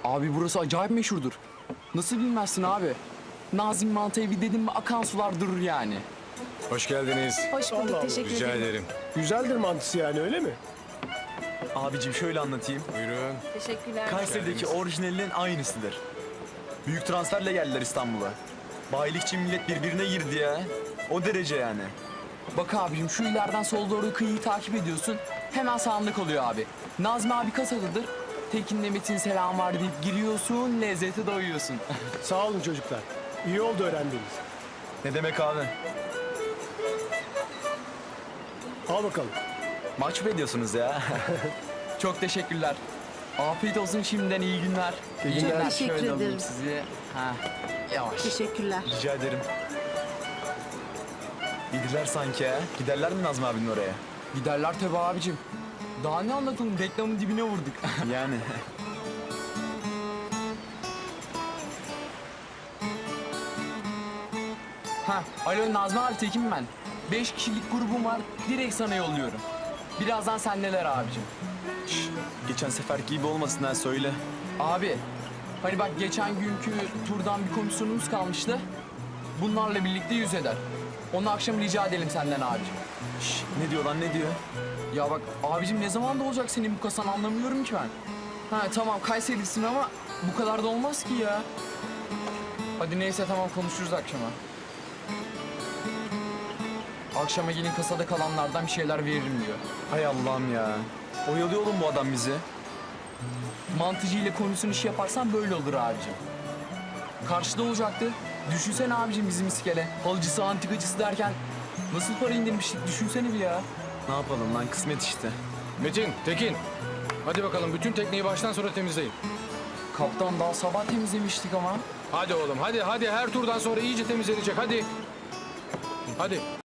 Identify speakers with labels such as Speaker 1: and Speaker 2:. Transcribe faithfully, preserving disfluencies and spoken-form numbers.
Speaker 1: Abi burası acayip meşhurdur. Nasıl bilmezsin abi? Nazım Mantı evi dedim mi akan sular durur yani.
Speaker 2: Hoş geldiniz.
Speaker 3: Hoş bulduk,
Speaker 4: Allah Allah,
Speaker 3: teşekkür
Speaker 2: Rica
Speaker 3: ederim.
Speaker 2: ederim.
Speaker 4: Güzeldir mantısı yani, öyle mi?
Speaker 5: Abicim şöyle anlatayım.
Speaker 2: Buyurun.
Speaker 3: Teşekkürler.
Speaker 5: Kayseri'deki orijinalinin aynısıdır. Büyük transferle geldiler İstanbul'a. Bayilikçi millet birbirine girdi ya. O derece yani.
Speaker 1: Bak abicim şu ileriden sola doğru kıyıyı takip ediyorsun. Hemen sağında kalıyor abi. Nazmi abi kasadadır. Tekin'le Metin selam var deyip giriyorsun, lezzete doyuyorsun.
Speaker 4: Sağ olun çocuklar. İyi oldu öğrendiğiniz.
Speaker 5: Ne demek abi?
Speaker 4: Al bakalım.
Speaker 5: Maç mı ediyorsunuz ya?
Speaker 1: Çok teşekkürler. Afiyet olsun şimdiden iyi günler. İyi
Speaker 4: günler.
Speaker 3: Teşekkür
Speaker 1: Şöyle alayım
Speaker 3: ederim.
Speaker 1: sizi. Ha, yavaş.
Speaker 3: Teşekkürler.
Speaker 5: Rica ederim. Gidiler sanki ha. Giderler mi Nazmi abinin oraya?
Speaker 1: Giderler tabii abicim. Daha ne anlatalım, reklamın dibine vurduk.
Speaker 5: Yani.
Speaker 1: Ha, alo Nazmi abi Tekin ben. Beş kişilik grubum var, direkt sana yolluyorum. Birazdan sendeler abicim.
Speaker 5: Şş, geçen seferki gibi olmasın ha, söyle.
Speaker 1: Abi, hani bak geçen günkü turdan bir komisyonumuz kalmıştı. Bunlarla birlikte yüz eder. Onu akşam rica edelim senden abicim.
Speaker 5: Şş, ne diyor lan, ne diyor?
Speaker 1: Ya bak abicim ne zaman da olacak senin bu kasan anlamıyorum ki ben. Ha tamam Kayseri'lisin ama bu kadar da olmaz ki ya. Hadi neyse tamam konuşuruz akşama. Akşama gelin kasada kalanlardan bir şeyler veririm diyor.
Speaker 5: Hay Allah'ım ya. Oyalıyor oğlum bu adam bizi.
Speaker 1: Mantıcı ile komisyon işi yaparsan böyle olur abicim. Karşıda olacaktı. Düşünsene abicim bizim iskele. Halıcısı, antikacısı derken nasıl para indirmiştik düşünsene bir ya.
Speaker 5: Ne yapalım lan, kısmet işte.
Speaker 2: Metin, Tekin. Hadi bakalım bütün tekneyi baştan sona temizleyin.
Speaker 1: Kaptan daha sabah temizlemiştik ama.
Speaker 2: Hadi oğlum hadi hadi her turdan sonra iyice temizlenecek hadi. Hadi.